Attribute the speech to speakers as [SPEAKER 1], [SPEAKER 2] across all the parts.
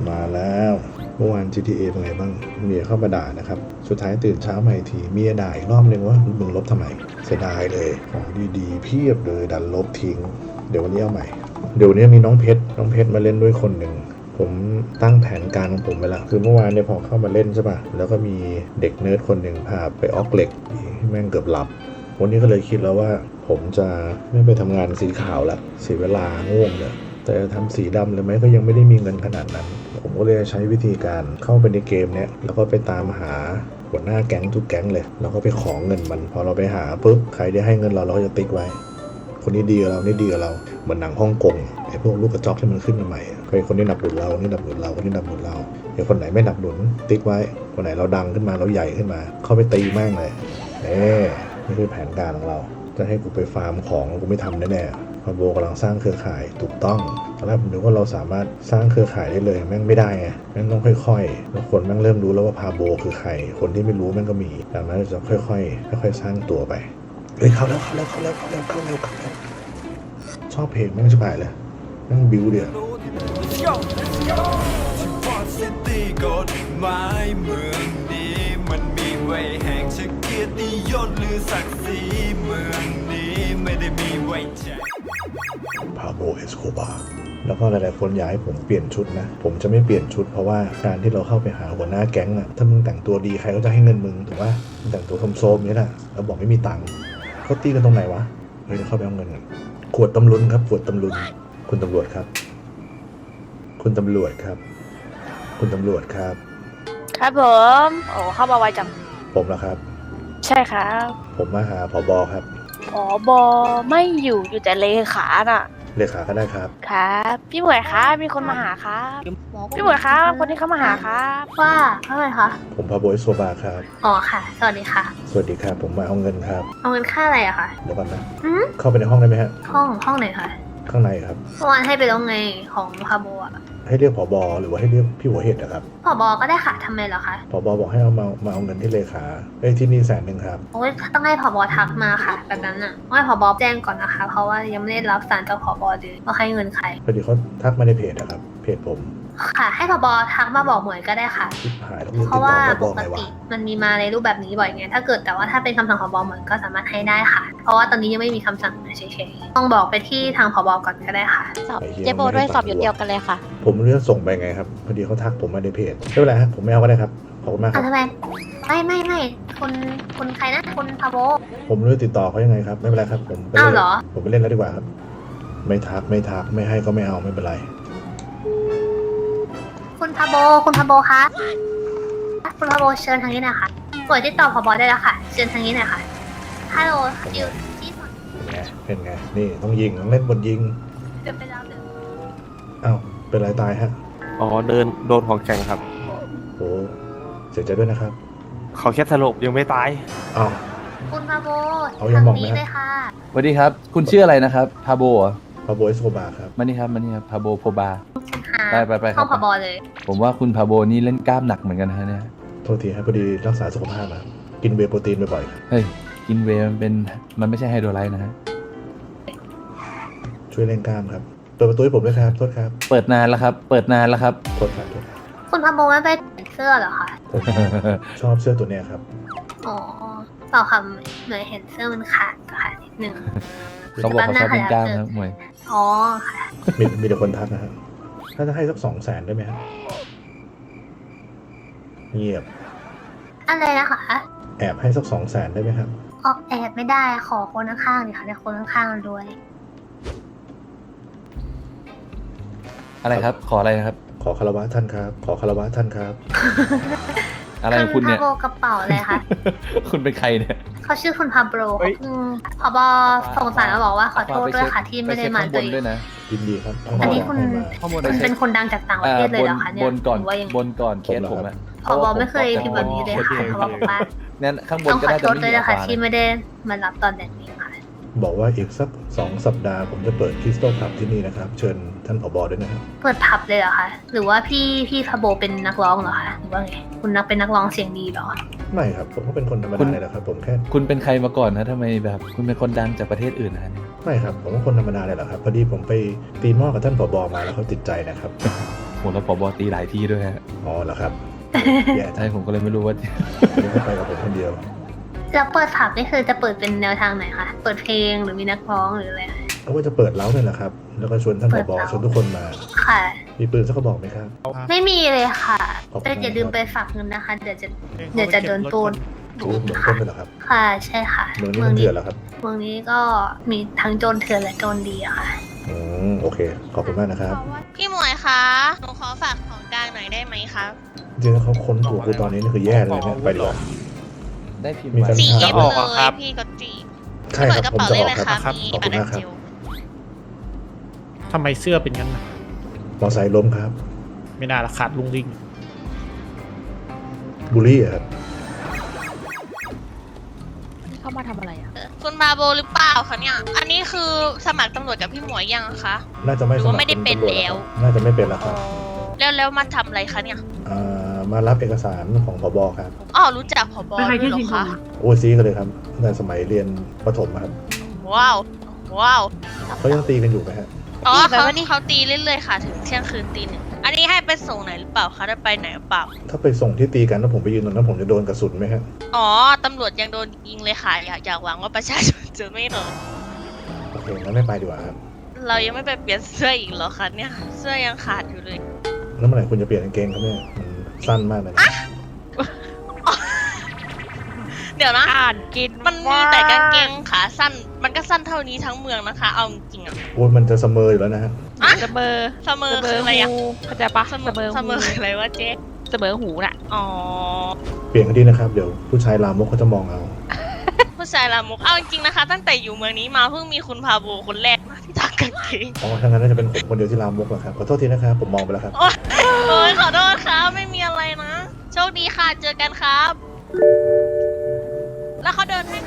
[SPEAKER 1] มาแล้วเมื่อวาน GTA เป็นไงบ้างเมียเข้ามาด่านะครับสุดท้ายตื่นเช้ามาอีกทีเมียด่าอีกรอบนึงว่ามึงลบทำไมเสียดายเลยของดีๆเพียบเลยดันลบทิ้งเดี๋ยววันนี้เอาใหม่เดี๋ยววันนี้มีน้องเพชรมาเล่นด้วยคนหนึ่งผมตั้งแผนการของผมไปแล้วคือเมื่อวานเนี่ยพอเข้ามาเล่นใช่ป่ะแล้วก็มีเด็กเนิร์ดคนหนึ่งพาไปออกเหล็กแม่งเกือบหลับวันนี้ก็เลยคิดแล้วว่าผมจะไม่ไปทำงานสีขาวละเสียเวลาง่วงเลยแต่ทำสีดำเลยไหมก็ยังไม่ได้มีเงินขนาดนั้นผมก็เลยใช้วิธีการเข้าไปในเกมเนี้ยแล้วก็ไปตามหาหัวหน้าแก๊งทุกแก๊งเลยแล้วก็ไปขอเงินมันพอเราไปหาปุ๊บใครได้ให้เงินเราก็จะติ๊กไว้คนนี้ดีกับเรานี่ดีกับเราเหมือนหนังฮ่องกงไอ้พวกลูกกระจอกที่มันขึ้นมาใหม่คนนี้หนับหนุนเรานี่หนับหนุนเราคนนี้หนับหนุนเราไอ้คนไหนไม่หนับหนุนติ๊กไว้คนไหนเราดังขึ้นมาเราใหญ่ขึ้นมาเข้าไปตีแม่งเลยนี่คือแผนการของเราจะให้กูไปฟาร์มของกูไม่ทำแน่ๆพาโบกำลังสร้างเครือข่ายถูกต้องตอนแรกผมนึกว่าเราสามารถสร้างเครือข่ายได้เลยแม่งไม่ได้ไงแม่งต้องค่อยๆแล้วคนแม่งเริ่มรู้แล้วว่าพาโบคือใครคนที่ไม่รู้แม่งก็มีดังนั้นจะค่อยๆสร้างตัวไปเฮ้ยเข้าแล้วชอบเพลงแม่งจะไปเลยแม่งบิวเดียว
[SPEAKER 2] มันมีไว้แห่งชเกียรติยศหรือศักดิ์ศรีเมืองนี้ไม่ได้มีไว้แจก
[SPEAKER 1] พาโบเอสโคบาแล้วก็หลายๆคนอยากให้ผมเปลี่ยนชุดนะผมจะไม่เปลี่ยนชุดเพราะว่าการที่เราเข้าไปหาหัวหน้าแก๊งอะถ้ามึงแต่งตัวดีใครก็จะให้เงินมึงถูกป่ะมึงแต่งตัวโซมๆนี่แหละแล้วบอกไม่มีตังค์เขาตีกันตรงไหนวะเฮ้ยเดี๋ยวเข้าไปเอาเงินกันขวดตำลุนครับขวดตำลุนคุณตำรวจครับคุณตำรวจครับคุณตำรวจครับ
[SPEAKER 3] ครับผมโอ้เข้ามาไวจัง
[SPEAKER 1] ผมเหรอครับ
[SPEAKER 3] ใช่ครับ
[SPEAKER 1] ผมมาหาผบครับ
[SPEAKER 3] ผบไม่อยู่แต่เลขาน่ะ
[SPEAKER 1] เลขาก็ได้ครับ
[SPEAKER 3] ครับพี่หมวยครับมีคนมาหาครับพี่หมวยครับคนที่เขามาหาครับ
[SPEAKER 4] ว่าเท่าไหร่คะ
[SPEAKER 1] ผมพาโบเอสโคบาครับ
[SPEAKER 4] อ๋อค่ะสวัสดีค่ะ
[SPEAKER 1] สวัสดีครับผมมาเอาเงินครับ
[SPEAKER 4] เอาเงินค่าอะไรอะคะ
[SPEAKER 1] เดี๋ยวก่อนนะเข้าไปในห้องได้ไหมฮะ
[SPEAKER 4] ห้องไหนคะ
[SPEAKER 1] ข้างในครับ
[SPEAKER 4] เมื่อวานให้ไปแล้วไงของพาโบอะ
[SPEAKER 1] ให้เรียกผบหรือว่าให้เรียกพี่หัวเห็ดนะครับ
[SPEAKER 4] ผบก็ได้ค่ะทำไมเหรอคะ
[SPEAKER 1] ผบบอกให้มาเอาเงินที่เลขาที่นี่100,000ครับ
[SPEAKER 4] โอ้ยต้องให้ผบทักมาค่ะแบบนั้นน่ะต้องให้ผบแจ้งก่อนนะคะเพราะว่ายังไม่ได้รับสารจากผบเลยว่าให้เงินใคร
[SPEAKER 1] พอดีเขาทักมาในเพจนะครับเพจผม
[SPEAKER 4] ค่ะให้ผบทักมาบอกหมวยก็ได้ค่ะเพราะว่าปกติมันมีมาในรูปแบบนี้บ่อยไงถ้าเกิดแต่ว่าถ้าเป็นคำสั่งผบหมวยก็สามารถให้ได้ค่ะเพราะว่าตอนนี้ยังไม่มีคำสั่งเฉยๆต้องบอกไปที่ทางผบก่อนก็ได้ค่ะ
[SPEAKER 3] เจ๊โบด้วยสอบอยู่เดียวกันเลยค่ะ
[SPEAKER 1] ผมเลือกส่งไปไงครับพอดีเขาทักผมมาในเพจไม่เป็นไรครับผมไม่เอาก็ได้ครับขอบคุณมากครับ
[SPEAKER 4] ทำไมไม่คุณใครนะคุณพาโบ
[SPEAKER 1] ผมเลือกติดต่อเขายังไงครับไม่เป็นไรครับผมไปเล่นผมไปเล่นแล้วดีกว่าครับไม่ทักไม่ให้ก็ไม่เอาไม่เป็นไร
[SPEAKER 4] คุณพาโบคะคุณพาโบเชิญทางนี้หน่อยค่ะกดติดต่อผบได้แล้วค่ะเชิญทางนี้หน่อยค่ะฮัลโหลอยู่ที่สอน
[SPEAKER 1] เป็นไงนี่ต้องยิงต้องเล่นบนยิง
[SPEAKER 4] เดินไปแล้วเดิน
[SPEAKER 1] อ้าวเป็นไรตายฮะ
[SPEAKER 5] อ๋อโดนของแข็งครับ
[SPEAKER 1] โอ้เสียใจด้วยนะครับ
[SPEAKER 5] เขาแค่สลบยังไม่ตาย
[SPEAKER 1] อ้าว
[SPEAKER 4] คุณพาโบ
[SPEAKER 1] ทางนี้
[SPEAKER 4] เลยค่ะ
[SPEAKER 6] สวัสดีครับคุณชื่ออะไรนะครับพาโบ
[SPEAKER 1] พาโบเอสโคบาครับ
[SPEAKER 6] มานี่ครับพาโบโคบาไป
[SPEAKER 4] ห้องผบเลย
[SPEAKER 6] ผมว่าคุณพาโบนี่เล่นกล้ามหนักเหมือนกันฮะเนี่ย
[SPEAKER 1] โทษทีครับพอดีรักษาสุขภาพมากินเวย์โปรตีนบ่อย
[SPEAKER 6] ๆเฮ้ยกินเวย์มันไม่ใช่ไฮโดรไลท์นะฮะ
[SPEAKER 1] ช่วยเล่นกล้ามครับเปิดประตูให้ผมด้วยครับโทษครับ
[SPEAKER 6] เปิดนานแล้วครับโทษครับ
[SPEAKER 4] คุณพาโบไม่ไปเสื้อเหรอคะ
[SPEAKER 1] ผมชอบเสื้อตัวเนี้ยครับ
[SPEAKER 4] อ๋อเปล่าค่ะเหมือนเห็นเสื้อมันขาดค่ะนิดนึง
[SPEAKER 6] เขาบอกเขาชอบเล่นกล้ามครับมวย
[SPEAKER 4] อ๋อค่ะ
[SPEAKER 1] มีแต่คนทักนะครับถ้าจะให้สัก200,000ได้ไหมครับเงียบ
[SPEAKER 4] อะไรนะคะ
[SPEAKER 1] แอบให้สัก200,000ได้ไหมครับ
[SPEAKER 4] แอบไม่ได้ขอคนข้างๆเลยค่ะแต่คนข้างๆรวย
[SPEAKER 6] อะไรครับขออะไรนะครับ
[SPEAKER 1] ขอคารวะท่านครับขอคารวะท่านครับ
[SPEAKER 6] อะไรของคุณเนี่ย
[SPEAKER 4] พาโบกระเป๋าอะไรคะ
[SPEAKER 6] คุณเป็นใครเนี่ย
[SPEAKER 4] เขาชื่อคุณพาโบผบสงสารมาบอกว่าขอโทษด้วยค่ะที่ไม่ได้มา
[SPEAKER 6] ด้วยนะ
[SPEAKER 1] ยินดีครับ
[SPEAKER 4] อันนี้คุณเป็นคนดังจากต่างประเทศเลยเหรอคะเนี่ย
[SPEAKER 6] บนก่อนเคสผมอะ
[SPEAKER 4] ผบไม่เคยพิมพ์แบบนี้เลยค่ะผบบอกว่า
[SPEAKER 6] เนี่ยข้างบนก็ได้
[SPEAKER 4] ต้องขอโทษด้วยนะคะที่ไม่ได้มารับตอนแดดนี้ค่ะ
[SPEAKER 1] บอกว่าอีกสัก2 สัปดาห์ผมจะเปิดคริสตัลผับที่นี่นะครับเชิญท่านผบด้วยนะครับ
[SPEAKER 4] เปิดผับเลยเหรอคะหรือว่าพี่พาโบเป็นนักร้องเหรอคะหรือว่าไงคุณเป็นนักร้องเสียงดีเหรอ
[SPEAKER 1] ไม่ครับผมก็เป็นคนธรรมดาเลยนะครับผมแค่
[SPEAKER 6] คุณเป็นใครมาก่อนนะทำไมแบบคุณเป็นคนดังจากประเทศอื่นนะ
[SPEAKER 1] ไม่ครับผมก็คนธรรมดาเลยแหละครับพอดีผมไปตีหม้อกับท่านผบมาแล้วเขาติดใจนะครับ
[SPEAKER 6] โหแล้วผบตีหลายที่ด้วยฮะ
[SPEAKER 1] อ๋อเหรอครับแย่จั
[SPEAKER 6] ใช่
[SPEAKER 1] ง
[SPEAKER 6] ผมก็เลยไม่รู้ว่า
[SPEAKER 1] ไม่ได้ไปกับผมคนเดียว
[SPEAKER 4] แล้วเปิดผับนี่คือจะเปิดเป็นแนวทางไหนคะ เปิดเพลงหรือมีนักร้องหรืออะไรคะ
[SPEAKER 1] เขาก็จะเปิดเล้าเนี่ยแหละครับ แล้วก็ชวนท่านผบชวนทุกคนมา
[SPEAKER 4] ค่ะ
[SPEAKER 1] มีปืนสักกระบอกไหมครับ
[SPEAKER 4] ไม่มีเลยค่ะ
[SPEAKER 1] ขอบคุณ
[SPEAKER 4] แต่อย่าลืมไปฝากเงินนะคะ เดี๋ยวจะโดนปล้น
[SPEAKER 1] โอ้เหมือนคนเลยเหรอครับ
[SPEAKER 4] ค่ะใช่ค่ะ
[SPEAKER 1] เมืองนี้มันเถื่อนเหรอครับ
[SPEAKER 4] เมืองนี้ก็มีทั้งโจรเถื่อนและโจรดีอะค่ะ
[SPEAKER 1] โอเค ขอบคุณมากนะครับ
[SPEAKER 7] พี่หมวยคะ หนูขอฝากของกลางหน่อยได้ไหมครับ
[SPEAKER 1] จริงๆแล้วเขาค้นตัวกูตอนนี้นี่คือแย่เลยเนี่ยไปดีกว่า
[SPEAKER 6] ได้พิมพ์
[SPEAKER 1] มี
[SPEAKER 6] ไว้
[SPEAKER 1] การ
[SPEAKER 7] จี
[SPEAKER 1] จะ
[SPEAKER 7] บ
[SPEAKER 1] ออก
[SPEAKER 7] เล
[SPEAKER 5] อะครั
[SPEAKER 7] ย
[SPEAKER 5] บ
[SPEAKER 7] พี่ก็จีบ
[SPEAKER 1] ใช่ครับ
[SPEAKER 7] เปิดกระ
[SPEAKER 1] ผม
[SPEAKER 7] เป๋า
[SPEAKER 1] จะ
[SPEAKER 7] ได้
[SPEAKER 1] ออก
[SPEAKER 7] เลย
[SPEAKER 1] ครับ
[SPEAKER 7] ค่ะ มี
[SPEAKER 1] ขอบ
[SPEAKER 7] บั
[SPEAKER 1] คุ
[SPEAKER 7] ต
[SPEAKER 1] ณ
[SPEAKER 7] ร
[SPEAKER 1] มากครับ
[SPEAKER 7] เจล
[SPEAKER 8] ทำไมเสื้อเป็นงั้นน่ะ
[SPEAKER 1] มอไซค์ล้มครับ
[SPEAKER 8] ไม่น่าละขาดลุงลิง
[SPEAKER 1] บูลลี่อะครับ
[SPEAKER 3] เข้ามาทำอะไรอ่ะ
[SPEAKER 7] คุณบาโบหรือเปล่าคะเนี่ย อันนี้คือสมัครตำรวจกับพี่หมวยยังคะ
[SPEAKER 1] น่าจะไม่
[SPEAKER 7] หรือ
[SPEAKER 1] ส
[SPEAKER 7] ว่า
[SPEAKER 1] มัคร
[SPEAKER 7] ไม่ได้เป็น
[SPEAKER 1] ตำรจ
[SPEAKER 7] แล้ว
[SPEAKER 1] ครับน่าจะไม่เป็นแล้วครับ
[SPEAKER 7] แล้วมาทำอะไรคะเนี่ย
[SPEAKER 1] มารับเอกสารของผบครับ
[SPEAKER 7] อ๋อรู้จักผบด้วยเหรอคะ
[SPEAKER 1] โอซีกันเลยครับตั้งแต่สมัยเรียนประถมอะครับ
[SPEAKER 7] ว้าว ว้าว
[SPEAKER 1] เขายังตีกันอยู่ไหมฮะ
[SPEAKER 7] อ๋อ
[SPEAKER 3] ตีแบบ
[SPEAKER 7] เขา
[SPEAKER 3] ว่านี่
[SPEAKER 7] เขาตีเรื่อยๆค่ะ ถึงเที่ยงคืนตีหนึ่ง อันนี้ให้ไปส่งไหนหรือเปล่าคะได้ไปไหนหรือเปล่า
[SPEAKER 1] ถ้าไปส่งที่ตีกันแล้วผมไปยืนตรงนั้นผมจะโดนกระสุนไหมฮะ
[SPEAKER 7] อ๋อ ตำรวจยังโดนยิงเลยค่ะ อยากหวังว่าประชาชนจะไม่โดน
[SPEAKER 1] โอเคงั้นไม่ไปดีกว่าครับ
[SPEAKER 7] เรายังไม่ไปเปลี่ยนเสื้ออีกเหรอคะเนี่ย เสื้อยังขาดอยู่เลย
[SPEAKER 1] แล้วเมื่อไหร่คุณจะเปลี่ยนกางเกงครับเนี่ยมันสั้นมากเลยนะ
[SPEAKER 7] เดี๋ยวนะ
[SPEAKER 3] อ่านกิน
[SPEAKER 7] มันมีแต่กางเกงขาสั้น มันก็สั้นเท่านี้ทั้งเมืองนะคะ เอาจริงๆอะ
[SPEAKER 1] โอ้ยมันจะเสมออยู่แล้วนะฮะ
[SPEAKER 3] เสมอ
[SPEAKER 7] เสมอคืออะไรอะ
[SPEAKER 3] หูเข้าใจปะ
[SPEAKER 7] เสมอคืออะไรวะเจ๊
[SPEAKER 3] เสมอหูน่ะ
[SPEAKER 7] อ๋อ
[SPEAKER 1] เปลี่ยนกันดีนะครับ เดี๋ยวผู้ชายลามกเขาจะมองเอา
[SPEAKER 7] ผู้ชายลามก เอาจริงๆนะคะ ตั้งแต่อยู่เมืองนี้มาเพิ่งมีคุณพาโบคนแรกนะที่ทักกางเกง
[SPEAKER 1] อ๋อถ้างั้นน่าจะเป็นผมคนเดียวที่ลามกแหละครับ ขอโทษทีนะครับ ผมมองไปแล้วครับ
[SPEAKER 7] โอ้ยขอโทษครับ ไม่มีอะไรนะ โชคดีค่ะ เจอกันครับ แล้วเขาเดินให้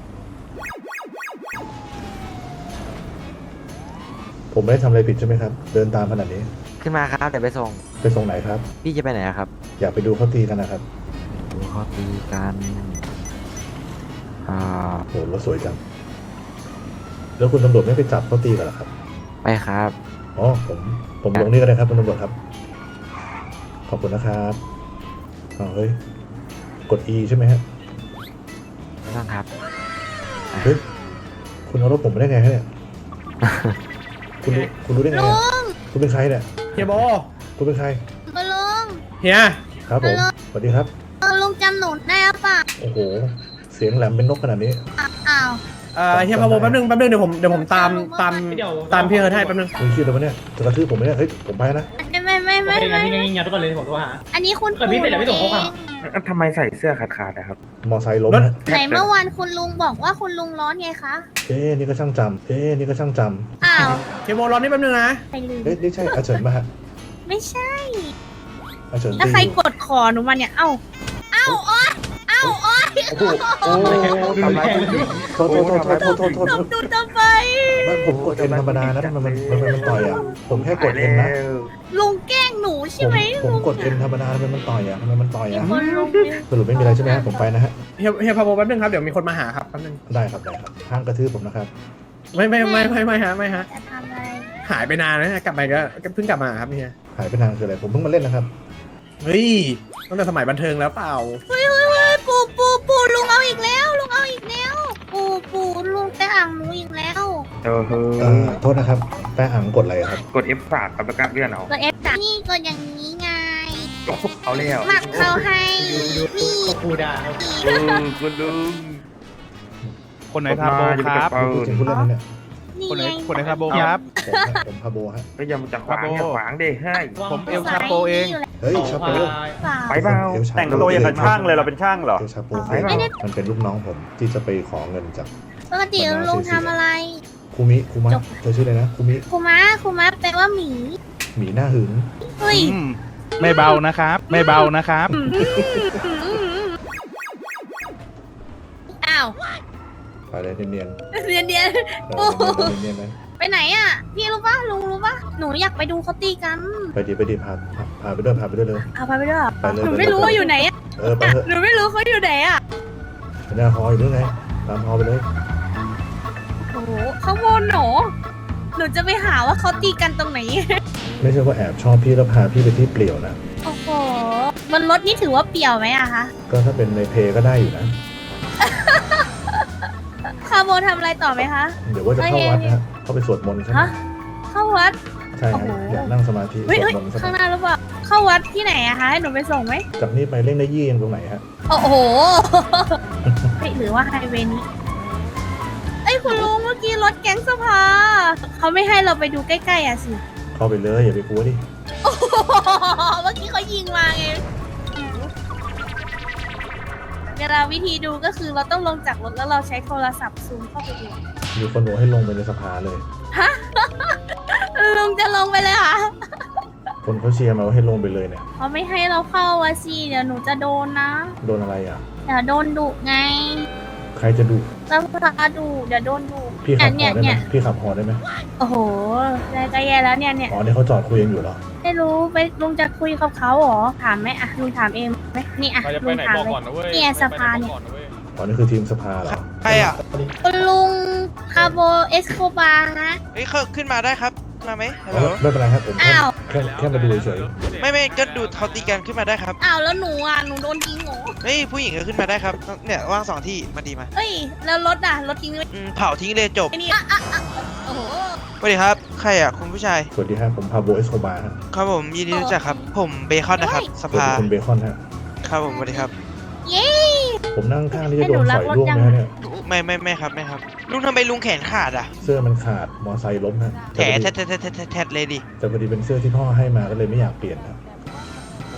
[SPEAKER 1] ผมไม่ได้ทำอะไรผิดใช่ไหมครับ เดินตามขนาดนี้
[SPEAKER 9] ขึ้นมาครับเดี๋ยวไปส่ง
[SPEAKER 1] ไปส่งไหนครับ
[SPEAKER 9] พี่จะไปไหนอะครับ
[SPEAKER 1] อยากไปดูเขาตีกันนะครับ
[SPEAKER 9] ดูเขาตีกันอ่า
[SPEAKER 1] โหรถสวยจัง แล้วคุณตำรวจไม่ไปจับเขาตีกันเหรอครับ
[SPEAKER 9] ไปครับ
[SPEAKER 1] อ๋อ ผมลงนี่ก็ได้ครับคุณตำรวจครับ ขอบคุณนะครับอ๋อเฮ้ย กด E ใช่ไหมฮะ
[SPEAKER 9] ไม่ต้องครับ
[SPEAKER 1] เฮ้ย คุณเอารถผมมาได้ไงฮะเนี่ย คุณรู้ได้ไงอะคุณเป็นใครเนี่ย
[SPEAKER 8] เฮียโบ
[SPEAKER 1] คุณเป็นใคร
[SPEAKER 4] คุณลุง
[SPEAKER 8] เฮีย
[SPEAKER 1] ครับผม สวัสดีครับ
[SPEAKER 4] ลุงจำหนูได้หรือเปล่า
[SPEAKER 1] โอ้โห เสียงแหลมเป็นนกขนาดนี้
[SPEAKER 4] อ้าว
[SPEAKER 8] เฮียพาโบแป๊บนึงเดี๋ยวผมตามพี่เอิร์ธให้แป๊บนึง
[SPEAKER 1] คุณคิดแล้ววะเนี่ย จะกระทืบผมไหมเนี่ย เฮ้ย ผมไปนะ
[SPEAKER 4] ไม่อันนี้คุณปู่หนูเอง
[SPEAKER 5] ทำไมใส่เสื้อขาดๆนะครับ
[SPEAKER 1] มอไซค์ล้มนะ
[SPEAKER 4] ไหนเมื่อวานคุณลุงบอกว่าคุณลุงร้อนไงคะ
[SPEAKER 1] นี่ก็ช่างจำนี่ก็ช่างจ
[SPEAKER 4] อ้าว
[SPEAKER 8] เฮียโบรอนี่แป๊บนึงนะ
[SPEAKER 4] ไปลืม
[SPEAKER 1] นี่ใช่อาเฉินมาฮะ
[SPEAKER 4] ไม่ใช่
[SPEAKER 1] อาเฉิน
[SPEAKER 4] แล้วใครกดคอหนูมาเนี่ย เอ้าโอ๊ย
[SPEAKER 1] โอ้โหโอ้ทำไรโทษ
[SPEAKER 4] ดูทำไม
[SPEAKER 1] ผมกดเอ็นธรรมดานะทำไมมันต่อยอ่ะ ผมแค่กดเอ็นนะ
[SPEAKER 4] ลุงแกล้งหนูใช่ไหม
[SPEAKER 1] ผมกดเอ็นธรรมดาทำไมมันต่อยอ่ะทำไมมันต่อย
[SPEAKER 4] มี
[SPEAKER 1] อ่ะ
[SPEAKER 4] คนลุง
[SPEAKER 1] สรุปไม่มีอะไรใช่ไหมฮะผมไปนะฮะ
[SPEAKER 8] เฮียพาโบแป๊บนึงครับ เดี๋ยวมีคนมาหาครับแป๊บนึง
[SPEAKER 1] ได้ครับห้ามกระทืบผมนะครับ
[SPEAKER 8] ไม่ฮะ
[SPEAKER 4] จะทำอะไร
[SPEAKER 8] หายไปนานแล้วนะกลับไปก็เพิ่งกลับมาครับเฮีย
[SPEAKER 1] หายไปนานคืออะไรผมเพิ่งมาเล่นนะครับ
[SPEAKER 8] เฮ้ยตั้งแต่สมัยบันเทิงแล้วเปล่า
[SPEAKER 4] ปู่ลุงเอาอีกแล้วลุงแต่อ่างหนูอีกแล้ว
[SPEAKER 1] โทษนะครับแป้อ่างกดอะไรครับ
[SPEAKER 5] กด F3 ครับแล้วก็เลื่อนเอา
[SPEAKER 4] ก็เอฟจากนี่ก็อย่างนี้ไง
[SPEAKER 5] เอาแล้ว
[SPEAKER 4] หมักเขาให้นี่
[SPEAKER 8] กูด่า
[SPEAKER 5] คุณลุง
[SPEAKER 10] คนไหนพาโบครับ
[SPEAKER 1] พูดถึงพูดเล่นนั้นเนี่ย
[SPEAKER 4] นี่
[SPEAKER 10] คนไหน
[SPEAKER 4] ไง
[SPEAKER 10] คนไหนพาโบครับ
[SPEAKER 1] ผมพาโบฮะ
[SPEAKER 5] ก็ยังจะขวางอย่าขวางเด้ให้
[SPEAKER 10] ผมเอลชาโปเอง
[SPEAKER 1] เฮ้ยชาโป
[SPEAKER 5] ไปเปล่า
[SPEAKER 1] แต่งตัวอย่างกับช่างเลยเรา
[SPEAKER 5] เป็นช่างเหรอ
[SPEAKER 1] เอลชาโปมันเป็นลูกน้องผมที่จะไปขอเงินจาก
[SPEAKER 4] ปกติลุงทำอะไร
[SPEAKER 1] คูมิคูมะเธอชื่ออะไรนะคูมิ
[SPEAKER 4] คุมะแปลว่าหมี
[SPEAKER 1] หมีหน้าหึง
[SPEAKER 4] เฮ้ย
[SPEAKER 10] ไม่เบานะครับ ไม่เบานะครับ
[SPEAKER 4] อ้าว
[SPEAKER 1] ไปเลยเนียน
[SPEAKER 4] เรียน
[SPEAKER 1] ๆเนียนๆไหม
[SPEAKER 4] ไปไหนอ่ะ พี่รู้ป่ะลุงรู้ป่ะหนูอยากไปดูเขาตีกัน
[SPEAKER 1] ไปดีพาไปด้วยเลย
[SPEAKER 4] เอาไปด้วย
[SPEAKER 1] ไปเลย
[SPEAKER 4] หนูไม่รู้ว่าอยู่ไหนอ่ะ
[SPEAKER 1] ไปเถอะ
[SPEAKER 4] หนูไม่รู้เขาอยู่ไหนอ่ะ
[SPEAKER 1] หน้าฮออยู่หรือไงตามฮอไปเลย
[SPEAKER 4] โอ้โหข้างบนหนูจะไปหาว่าเขาตีกันตรงไหน
[SPEAKER 1] ไม่ใช่ว่าแอบชอบพี่แล้วพาพี่ไปที่เปลี่ยวนะ
[SPEAKER 3] โอ้โหบนรถนี่ถือว่าเปี่ยวไหมอะคะ
[SPEAKER 1] ก็ถ้าเป็นในเพก็ได้อยู่นะ
[SPEAKER 3] คาโบทำอะไรต่อไหมคะ
[SPEAKER 1] เดี๋ยวว่าจะเข้าวัดนะฮะเข้าไปสวดมนต์ใช่ไหม
[SPEAKER 3] ฮะเข้าวัด
[SPEAKER 1] ใช่ฮะ
[SPEAKER 3] โอ้โห
[SPEAKER 1] อยากนั่งสมาธิส
[SPEAKER 3] เฮ้ยว
[SPEAKER 1] ด
[SPEAKER 3] เฮ้ย
[SPEAKER 1] มนต์สัก
[SPEAKER 3] ข้างหน้าหรือเปล่าเข้าวัดที่ไหนอะคะให้หนูไปส่งไหม
[SPEAKER 1] จากนี้ไปเล่นได้ยี่ยังตรงไหนฮะ
[SPEAKER 3] โอ้โหเฮ้ยหรือว่าไฮเวย์นี้เอ้ยคุณลุงเมื่อกี้รถแก๊งสภาเขาไม่ให้เราไปดูใกล้ๆอะสิ
[SPEAKER 1] เข้าไปเลยอย่าไปกลัวดิ
[SPEAKER 3] โอ้โหเมื่อกี้เขายิงมาไงเวลาวิธีดูก็คือเราต้องลงจากรถแล้วเราใช้โทรศัพท์ซูมเข้าไปดู
[SPEAKER 1] มีคนบอกให้ลงไปในสภาเลย
[SPEAKER 3] ลุงจะลงไปเลยค่ะ
[SPEAKER 1] คนเขาเชียร์มาว่าให้ลงไปเลยเนี่ย
[SPEAKER 3] เขาไม่ให้เราเข้าอะสิเดี๋ยวหนูจะโดนนะ
[SPEAKER 1] โดนอะไรอ่ะ
[SPEAKER 3] เดี๋ยวโดนดุไง
[SPEAKER 1] ใครจะดุ
[SPEAKER 3] สภาดุเดี๋ยวโดนดุ
[SPEAKER 1] พี่ขับห
[SPEAKER 3] เนี่
[SPEAKER 1] อย ได้ไหม
[SPEAKER 3] เนี่ย
[SPEAKER 1] พี่ขับหอได้ไหม
[SPEAKER 3] โอ้โหได้ก็แย่แล้วเนี่ย
[SPEAKER 1] อ๋อนี่เขาจอดคุยกันอยู่เหรอ
[SPEAKER 3] ไม่รู้ไปลุงจะคุยกับเขาเหรอถามไหมอะลุงถามเองไหมนี่อะลุงถามเลยเนี่ยสภาเนี่ย
[SPEAKER 1] อ๋อนี่คือทีมสภาเหรอ
[SPEAKER 11] ใครอ่ะ
[SPEAKER 3] คุณลุงคาโบเอสโคบาฮะ
[SPEAKER 11] เฮ้ยเขาขึ้นมาได้ครับ มาไหมฮัลโหล
[SPEAKER 1] ไม่เป็นไรครับผม
[SPEAKER 3] อ้าว
[SPEAKER 1] แค่มาดูเฉย
[SPEAKER 11] ไม่ก็ดูเขาตีกันขึ้นมาได้ครับ
[SPEAKER 3] อ้าวแล้วหนูอ่ะหนูโดนยิงเหรอ
[SPEAKER 11] เฮ้ยผู้หญิงก็ขึ้นมาได้ครับ เนี่ยว่าง2 ที่มาดีมา
[SPEAKER 3] เอ้ยแล้วรถอ่ะรถทิ้งไว้
[SPEAKER 11] เผาทิ้งเลยจบ
[SPEAKER 3] ไอ้นี่โอ้โห
[SPEAKER 11] สวัสดีครับ ใครอ่ะคุณผู้ชาย
[SPEAKER 1] สวัสดีครับผมพาโบเอสโคบาร์ครับ
[SPEAKER 11] ครับผมยินดีรู้จักครับ ผมเบคอนนะครับ ส
[SPEAKER 1] สวัส
[SPEAKER 11] ภา
[SPEAKER 1] ดีคุณเบคอนฮะ
[SPEAKER 11] ครับผมสวัสดีครับ
[SPEAKER 3] เย้
[SPEAKER 1] ผมนั่งข้างที่จะโดนสอยล่วงนะฮะเนี่ย
[SPEAKER 11] ไม่ครับไม่ครับ ลุงทำไมลุงแขนขาดอ่ะ
[SPEAKER 1] เสื้อมันขาดมอไซค์ล้มฮะ
[SPEAKER 11] แถแทดเลยดิ
[SPEAKER 1] แต่พอดีเป็นเสื้อที่พ่อให้มาก็เลยไม่อยากเปลี่ยนครับ
[SPEAKER 11] โอ้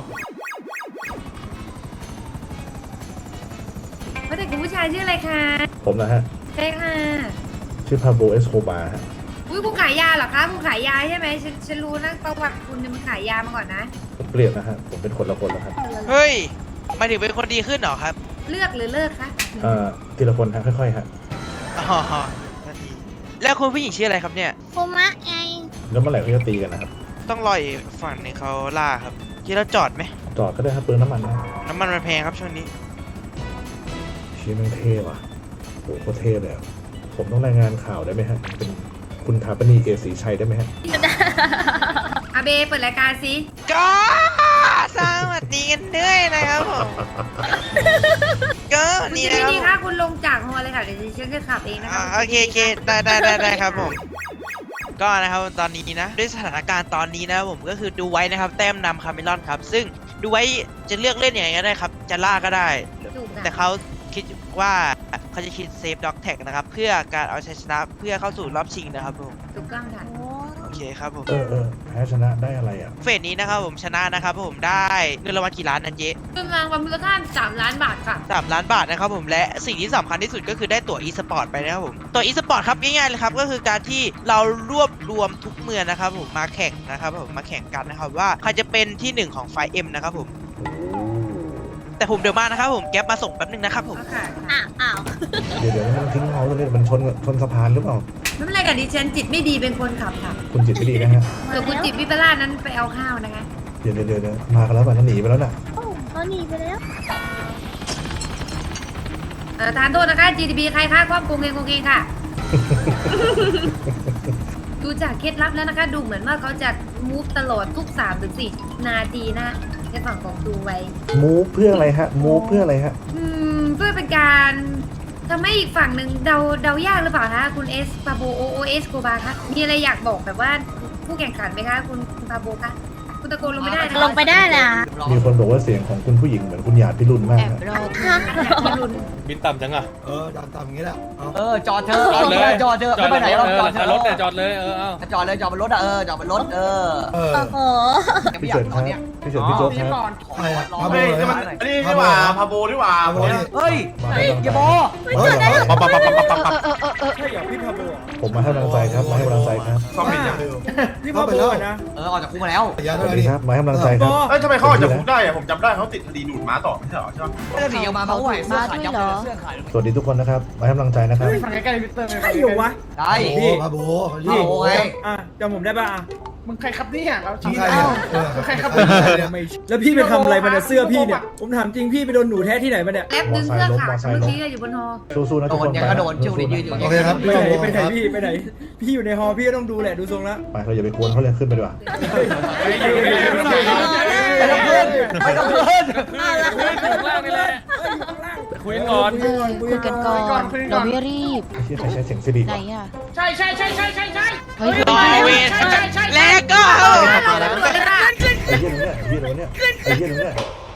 [SPEAKER 12] ว่าแต่คุณผู้ชายชื่ออะไรคะ
[SPEAKER 1] ผมนะฮะ
[SPEAKER 12] ใช่ค่ะ
[SPEAKER 1] ชื่อพาโบเอสโคบาร์ฮะ
[SPEAKER 12] อุ้ยคุณขายยาเหรอคะคุณขายยาใช่ไหมฉันรู้นะประวัติคุณเนี่ยมันขายยามาก่อนนะ
[SPEAKER 1] ผมเปลี่ยนนะฮะผมเป็นคนละคนแล้วครับ
[SPEAKER 11] เฮ้ยหมายถึงเป็นคนดีขึ้นเหรอครับ
[SPEAKER 12] เลือกหรือเลิกคะ
[SPEAKER 1] ทีละคนฮะค่อยๆฮะ
[SPEAKER 11] อ๋อนาทีแล้วคุณผู้หญิงชื่ออะไรครับเนี่ย
[SPEAKER 3] โคมะไง
[SPEAKER 1] แล้วเมื่อไหร่เขาจะตีกันนะครับ
[SPEAKER 11] ต้องรออีกฝั่งหนึงเขาล่าครับที่เราจอดไหม
[SPEAKER 1] จอดก็ได้ครับเปลืองน้ำมันนะ
[SPEAKER 11] น้ำมันมันแพงครับช่วงนี้
[SPEAKER 1] ชี้แม่งเท่ว่ะโหโคตรเท่เลยอะผมต้องรายงานข่าวได้ไหมฮะเป็นคุณถาปนีเอศรีชัยได้ไหมฮะ
[SPEAKER 12] อาเบเปิดรายการสิ
[SPEAKER 11] ก็สวัสดีกันด้วยนะครับผม ก็
[SPEAKER 12] คุณ
[SPEAKER 11] นี่
[SPEAKER 12] จะ
[SPEAKER 11] นะ
[SPEAKER 12] ไม่
[SPEAKER 11] ครับผม
[SPEAKER 12] ดีค่ะคุณลงจากฮอเลยค่ะเดี๋ยวฉันจะขับเองนะคะ
[SPEAKER 11] โอเคได้ครับผม ก็นะครับตอนนี้นะด้วยสถานการณ์ตอนนี้นะครับผมก็คือดูไว้นะครับแต้มนำคาเมลอนครับซึ่งดูไว้จะเลือกเล่นยังไงก็ได้ครับจะล่าก็ได้
[SPEAKER 12] ถูก
[SPEAKER 11] แต่เขาคิดว่าเขาจะคิดเซฟด็อกแท็กนะครับเพื่อการเอาชัยชนะเพื่อเข้าสู่รอบชิงนะครับผม
[SPEAKER 12] ถูกต้องค่ะ
[SPEAKER 11] โอเคครับผม
[SPEAKER 1] แพ้ชนะได้อะไรอ่ะ
[SPEAKER 11] เฟสนี้นะครับผมชนะนะครับผมได้เงินรางวัลกี่ล้านนันเย
[SPEAKER 12] เป็นรางวัลมูลค่า3 ล้านบาทค่ะ
[SPEAKER 11] 3 ล้านบาทนะครับผมและสิ่งที่สำคัญที่สุดก็คือได้ตั๋ว e-sport ไปนะครับผมตั๋ว e-sport ครับง่ายๆเลยครับก็คือการที่เรารวบรวมทุกเมืองนะครับผมมาแข่งนะครับผมมาแข่งกันนะครับว่าใครจะเป็นที่ 1 ของไฟเอ็มนะครับผมแต่ผมเดี๋ยวมานะครับผมแก๊ปมาส่งแป๊บนึงนะครับผม
[SPEAKER 12] ค่ะ
[SPEAKER 3] อ้าว
[SPEAKER 1] เดี๋ยวมันทิ้งเราตรงนี้มันชนสะพานหรือเปล่า
[SPEAKER 12] ไม่เป็นไรค่ะดิฉันจิตไม่ดีเป็นคนขับค่ะ
[SPEAKER 1] คุณจิตไม่ดีนะฮะ
[SPEAKER 12] ส่วนคุณจิตวิปลาสนั้นไปเอาข้าวนะคะ
[SPEAKER 1] เดี๋ยวมากันแล้วป่ะนั่นหนีไปแล้วน่ะ
[SPEAKER 3] เขาหนีไปแล้ว
[SPEAKER 12] ทานโทษนะคะ GTB ใครค่าความโกงเองค่ะ ดูจากเคล็ดลับแล้วนะคะ ดูเหมือนว่าเขาจะมูฟตลอดทุก3-4 นาทีนะในฝั่งของดูไว้
[SPEAKER 1] มูฟเพื่ออะไรฮะมูฟเพื่ออะไรฮะ
[SPEAKER 12] เพื่อเป็นการทำให้อีกฝั่งหนึ่งเดายากหรือเปล่าคะคุณเอสปาโบโอเอสโกบาคะมีอะไรอยากบอกแบบว่าผู้แข่งขันไหมคะคุณปาโบคะคุณตะโกนลงไม่ได้นะ
[SPEAKER 3] ลงไปได้นะ
[SPEAKER 1] มีคนบอกว่าเสียงของคุณผู้หญิงเหมือนคุณหยาดพิรุณมากฮะ
[SPEAKER 12] พี่รุน
[SPEAKER 10] บินต่ำจังอ่ะ
[SPEAKER 8] ต่ำอย่างนี้แหละ
[SPEAKER 6] จอดเถอะ
[SPEAKER 10] จอดเลย
[SPEAKER 6] จอดเถอะไม่ไปไหนหรอกจอดเถอะ
[SPEAKER 10] รถเนี่ยจอดเลยเอา
[SPEAKER 6] จอดเลยจอดบนรถอ่ะจอดบนรถ
[SPEAKER 3] โอ้โห
[SPEAKER 1] พี่เฉินครับพี่เฉินพี่โจ๊กครับ
[SPEAKER 8] ใครอะ
[SPEAKER 6] เฮ้ยมัน
[SPEAKER 8] นี่ดีกว่าพาโบดีกว่า
[SPEAKER 6] เฮ้ยอย่าบอ
[SPEAKER 1] ผมมาให้กำลังใจครับมาให้กำลังใจครับ
[SPEAKER 8] นี่พาโบนะ
[SPEAKER 6] ออกจากคุกมาแล้ว
[SPEAKER 1] สวัสดีครับมาให้กำลังใจครับ
[SPEAKER 8] เอ้ยทำไมเขาออกจากคุกได้อะผมจำได้เขาติดคดีดูดม้าต่อไม่ใช่เหรอใช่ไหม
[SPEAKER 6] เสื้อสีออกมาเมื่อวานเสื้อขายยับเลยเสื้อขาย
[SPEAKER 1] สวัสดีทุกคนนะครับมาให้กำลังใจนะครับ
[SPEAKER 8] ใครอยู่วะ
[SPEAKER 6] ได้
[SPEAKER 8] พาโบ
[SPEAKER 6] เอาไง
[SPEAKER 8] จำผมได้ป่ะมึงใครครับเนี่ยเรา
[SPEAKER 1] ทำใครเนี่ยใครครับ
[SPEAKER 8] แล้วพี่ไปทำอะไรมาเนี่ยเสื้อพี่เนี่ยผมถามจริงพี่ไปโดนหนูแท้ที่ไหนมาเนี่ย
[SPEAKER 12] แล็บดึงเสื้อขาดเมื่อกี้อยู่บนฮอ
[SPEAKER 1] สู้ๆนะทุกคนไปโอเคครับ
[SPEAKER 8] ไปไหนพี่ไปไหนพี่อยู่ในฮอพี่ก็ต้องดูแหละดูทรงละ
[SPEAKER 1] ไปเราอย่าไปกวนเขาเลยขึ้นไปดีกว่า
[SPEAKER 8] ไปกับเพื่อนไปกับเพื่อน
[SPEAKER 10] คุยก่อน
[SPEAKER 8] คุยกันก่อนเราไม่รีบ
[SPEAKER 1] ที่ใครใช้เสียงสิริวะ
[SPEAKER 8] ใช่
[SPEAKER 11] รอเวรแล้วก็
[SPEAKER 1] ไอ้เหี้ยตรงเนี้ยไอ้เหี้ยตรงเนี้ย